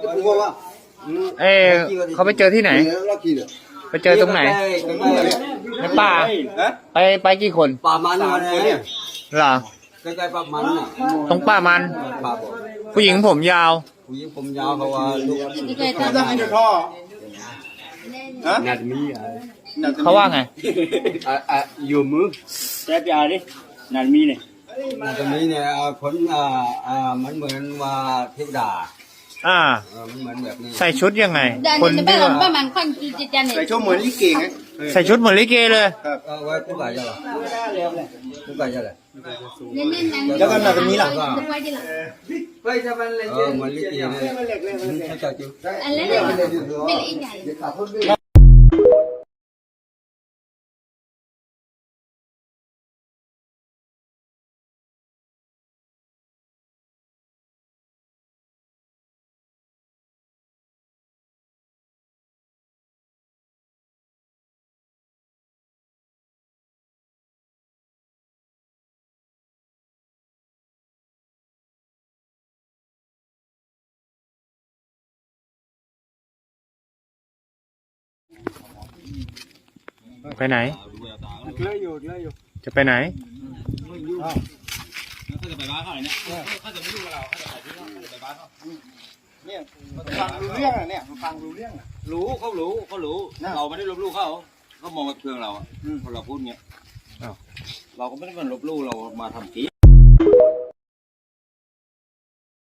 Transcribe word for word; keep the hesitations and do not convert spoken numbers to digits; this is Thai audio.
เอ้เขาไปเจอที่ไหนไปเจอตรงไหนในป่าไปไปกี่คนป่ามันเนี่ยเหรอใกล้ๆป่ามันน่ะตรงป่ามันผู้หญิงผมยาวผู้หญิงผมยาวเขาว่าลูกนัดมีอ่ะเขาว่าไงอ่ะอ่ะอยู่มือแซ่บยาดินัดมีเนี่ยตรงนี้เนี่ยคนอ่าอ่ามันเหมือนว่าเทวดาอ่าเออมันเหมือนแบบนี้ใส่ชุดยังไง Dan คน ni ที่ ba ว่า lang ba man kwan ki jan ni. ใส่ชั่วเหมือนลิเกไงใส่ชุดเหมือนลิเกเลยเออไว้ผู้กายจะหรอผู้กายจะหรอ Ni ni nang. แล้วก็นัดมีล่ะ Wai dia lah. เออเหมือนลิเกเนี่ยเขาจะจิ้ว Ala ni. Bil ingai. ไปไหนเลื่อยอยู่เลื่อยอยู่จะไปไหนเขาจะไปบ้านเขาเนี่ยเขาจะไม่รู้กับเราเขาจะไปที่เขาจะไปบ้านเขาเนี่ยฟังรู้เรื่องอ่ะเนี่ยฟังรู้เรื่องอ่ะรู้เขารู้เขารู้เราไม่ได้ลบลู่เขาเขามองกับเครื่องเราอ่ะพอเราพูดเงี้ยเราก็ไม่ได้มาลบลู่เรามาทำจริง